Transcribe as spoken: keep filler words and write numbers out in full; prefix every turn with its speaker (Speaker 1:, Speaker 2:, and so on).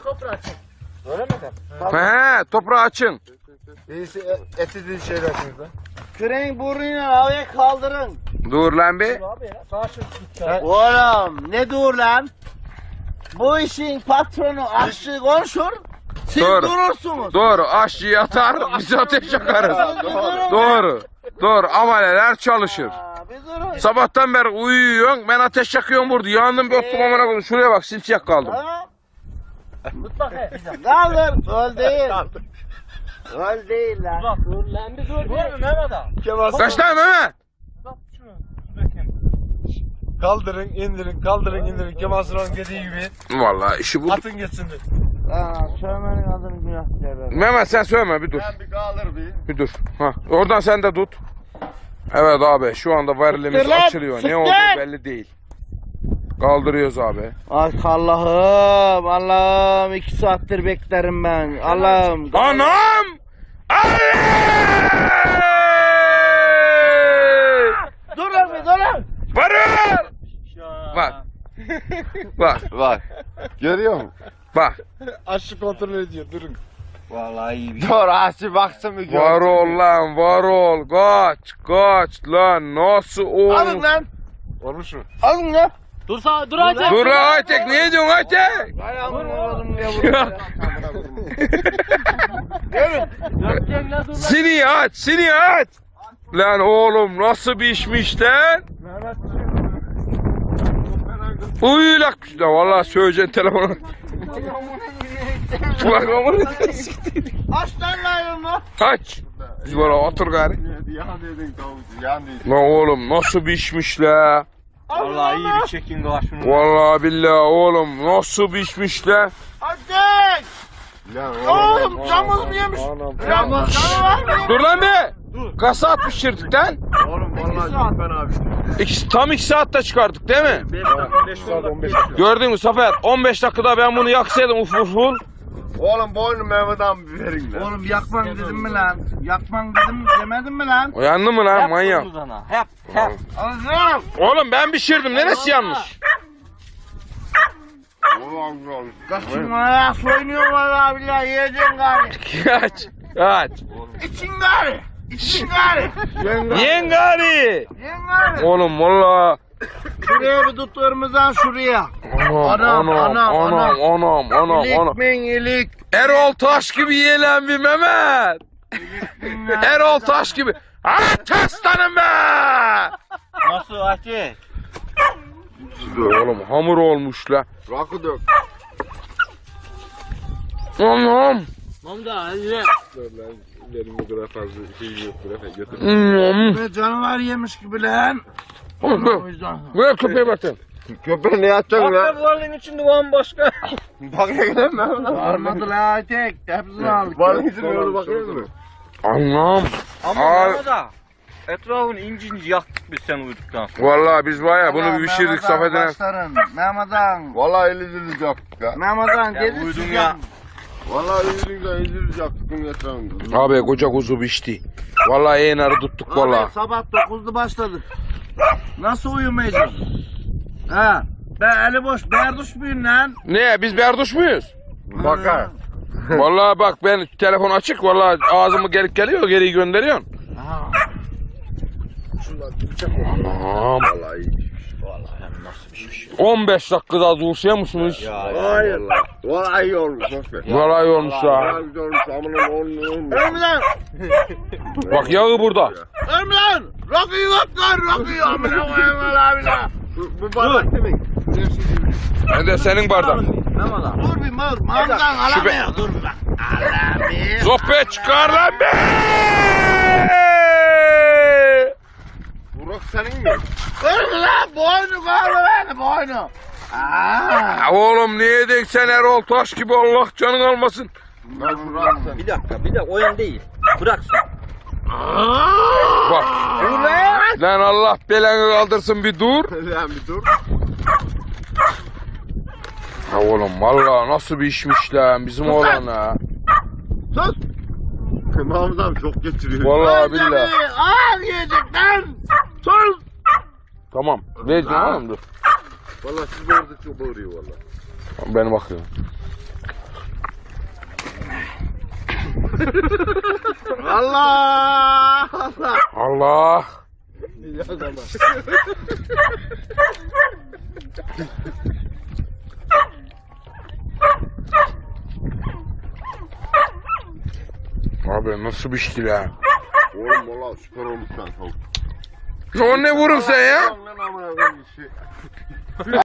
Speaker 1: toprağı çek.
Speaker 2: Öyle mi efendim?
Speaker 3: He, toprağı açın.
Speaker 2: Birisi eti değil şeyler şimdi.
Speaker 4: Küreğin burnunu havaya kaldırın.
Speaker 3: Dur lan bir.
Speaker 1: Abi ya. Sağ şu tutacağım.
Speaker 4: Oğlum ne dur lan? Bu işin patronu aşçı konuşur. Siz
Speaker 3: Doğru.
Speaker 4: durursunuz.
Speaker 3: Doğru, aşçı yatar, biz ateş yakarız. Doğru. Doğru, ameleler çalışır.
Speaker 4: Aa, bir durun.
Speaker 3: Sabahtan beri uyuyorsun, ben ateş yakıyorum burada. Yandım bir oturdum amına koydum. Şuraya bak, simsiyah kaldım.
Speaker 4: Ha?
Speaker 1: Tut bak he.
Speaker 4: Kaldır. Öl değil. Öl değil lan.
Speaker 1: Bak dur lan bir dur. Dur mu Mehmet abi?
Speaker 2: Kemal
Speaker 3: Kaç tane Mehmet?
Speaker 1: Bak şunu. Dur bakayım.
Speaker 2: kaldırın, indirin, kaldırın, indirin. Kemal Sunal'ın dediği gibi.
Speaker 3: Vallahi işi bu.
Speaker 2: Atın geçsin.
Speaker 4: Aa, söylemenin adını günah derler.
Speaker 3: Mehmet sen söyleme, bir dur.
Speaker 2: Ben bir kaldır bir.
Speaker 3: Bir dur. Ha, oradan sen de tut. Evet abi, şu anda varilimiz
Speaker 4: Siktir lan,
Speaker 3: açılıyor.
Speaker 4: siktir.
Speaker 3: Ne olduğu belli değil. Kaldırıyoruz abi.
Speaker 4: Ay Allah'ım, Allah'ım iki saattir beklerim ben. Allah'ım.
Speaker 3: Anam! Ay!
Speaker 4: Dur lan bir dur lan.
Speaker 3: Varır! Bak. Bak.
Speaker 2: Bak. Görüyor musun?
Speaker 3: Bak.
Speaker 2: Aşçı kontrol ediyor. Durun.
Speaker 4: Vallahi iyi bir
Speaker 2: Dur aşçı baksın bir
Speaker 3: Var ol lan, var ol. Kaç, kaç lan. Nasıl
Speaker 4: Alın
Speaker 3: olur?
Speaker 4: lan.
Speaker 2: Olmuş mu?
Speaker 4: Alın lan.
Speaker 1: Dur sağ dur Aytek.
Speaker 3: Dur lan Aytek, ne diyorsun Aytek?
Speaker 4: Ayağımın oğlum ya burada. Görün.
Speaker 1: Dörtgen lan dur lan.
Speaker 3: Seni aç, seni aç. Lan oğlum nasıl bir işmiş lan? Uylak işte vallahi söyleyeceksin telefonu. Bak amına
Speaker 4: Aç lan lan.
Speaker 3: Kaç. Biz böyle otur gari.
Speaker 2: Yan dedin tavuk. Yan dedin.
Speaker 3: Lan oğlum nasıl bir işmiş la?
Speaker 4: Vallahi iyi bir
Speaker 1: çekin gala şunu.
Speaker 3: Vallahi billahi oğlum nasıl bir işmiş la?
Speaker 4: Ateş.
Speaker 2: Lan
Speaker 4: Oğlum camız mı yemiş? Camız canı var mı?
Speaker 3: Dur lan be. Kaç saat pişirdik lan?
Speaker 2: Oğlum vallahi ben abi.
Speaker 3: İki, tam iki saatte çıkardık değil mi?
Speaker 2: beş saat on beş dakika.
Speaker 3: Gördün mü Zafer? on beş dakikada ben bunu yaksaydım uf uf uf.
Speaker 2: Oğlum boynu Mehmet abi bir verin lan.
Speaker 4: Oğlum yakman dedim mi lan? Yakman dedim demedin mi lan?
Speaker 3: Uyandın mı lan manyak?
Speaker 1: Hep hep.
Speaker 4: Alacağım.
Speaker 3: Oğlum ben pişirdim. Neresi yanlış?
Speaker 2: Oğlum oğlum.
Speaker 4: Kaçın ayağı soyunuyor vallahi billahi yiyeceksin gari.
Speaker 3: Kaç. Kaç.
Speaker 4: İçin gari. İçin gari.
Speaker 3: Yengari.
Speaker 4: Yiyin gari.
Speaker 3: Oğlum valla.
Speaker 4: Şuraya bir tutlarımızdan şuraya.
Speaker 3: Anam anam anam anam anam anam
Speaker 4: İlik
Speaker 3: anam.
Speaker 4: min ilik.
Speaker 3: Erol Taş gibi yiyen bir Mehmet. Erol Taş gibi. Ha aslanım be.
Speaker 4: Nasıl Ateş?
Speaker 3: Oğlum hamur olmuş la.
Speaker 2: Rakı dök.
Speaker 3: Anam.
Speaker 1: Mamda hadi.
Speaker 2: Dur lan. Benim bu kadar fazla şey yok. Bırak götür.
Speaker 3: Anam.
Speaker 4: Ne canavar yemiş gibi lan. O
Speaker 3: Oğlum,
Speaker 4: yüzden.
Speaker 3: buraya köpeğe bakın.
Speaker 2: Köpeği ne yapacaksın lan?
Speaker 1: Varlığın içinde bambaşka.
Speaker 2: Bak ya lan Mehmet abi.
Speaker 4: Varmadı la Ateş. Hepsini aldık.
Speaker 2: Var izin yolu bakıyor musun?
Speaker 3: Anam.
Speaker 1: Ama
Speaker 3: Al.
Speaker 1: Mehmet abi. Etrafını inci inci yaktık biz sen uyuduktan sonra.
Speaker 3: Vallahi biz var ya bunu bir pişirdik Safet'e.
Speaker 4: Başların. Mehmet'an.
Speaker 2: Vallahi elinizi yaptık ha.
Speaker 4: Mehmet'an
Speaker 1: Ya
Speaker 4: dedi
Speaker 1: uydun
Speaker 4: sizin.
Speaker 1: ya.
Speaker 2: Vallahi elinizi elinizi yaptık bunun etrafında.
Speaker 3: Abi koca kuzu pişti. Vallahi enarı tuttuk vallahi.
Speaker 4: Abi sabah dokuzda başladık. Nasıl uyumayacağım? Ha. Ben eli boş berduş muyum lan?
Speaker 3: Ne biz berduş muyuz?
Speaker 2: Bakar.
Speaker 3: Vallahi bak ben telefon açık vallahi ağzımı gelip geliyor geri gönderiyorsun.
Speaker 4: Ha.
Speaker 3: Anam.
Speaker 2: Vallahi iyi.
Speaker 3: on beş dakikada dursuya musunuz?
Speaker 2: Hayır. Vallahi iyi olmuş. Boş ver.
Speaker 3: Vallahi iyi olmuş ha.
Speaker 2: Vallahi güzel olmuş. Amına oğlum oğlum.
Speaker 4: Ölüm lan!
Speaker 3: Bak yağı burada.
Speaker 4: Ölüm lan! Rakıyı yok lan! Rakıyı amına koyayım lan abine!
Speaker 2: Bu, bu bardak demek.
Speaker 3: Ben de senin bardağın.
Speaker 4: Dur bir mor, mamdan alamıyor. Dur bak. Allah bir.
Speaker 3: Sohbet çıkar lan be!
Speaker 2: Burak senin mi?
Speaker 4: Ölüm lan! Boynu bağlı beni boynu. Aa.
Speaker 3: Ya oğlum niye denk sen Erol Taş gibi Allah canın almasın.
Speaker 2: Ben Burak sen.
Speaker 1: Bir dakika bir dakika o yan değil. Bırak sen.
Speaker 3: Bak.
Speaker 4: Dur lan!
Speaker 3: Lan Allah belanı kaldırsın bir dur.
Speaker 2: Lan bir dur.
Speaker 3: Ha oğlum vallahi nasıl bir işmiş lan bizim oğlan ha.
Speaker 4: Sus!
Speaker 2: Mahmut abi çok geçiriyor.
Speaker 3: Vallahi billahi.
Speaker 4: Al yiyecek lan! Sus!
Speaker 3: Tamam. Ne diyorsun oğlum dur.
Speaker 2: Vallahi siz orada çok bağırıyor vallahi.
Speaker 3: Ben bakıyorum.
Speaker 4: Allah Allah.
Speaker 3: Allah. Abi nasıl bir şey lan?
Speaker 5: Oğlum valla süper olmuş lan tavuk.
Speaker 3: O ne vurun sen ya?
Speaker 5: Lan amına koyayım şey.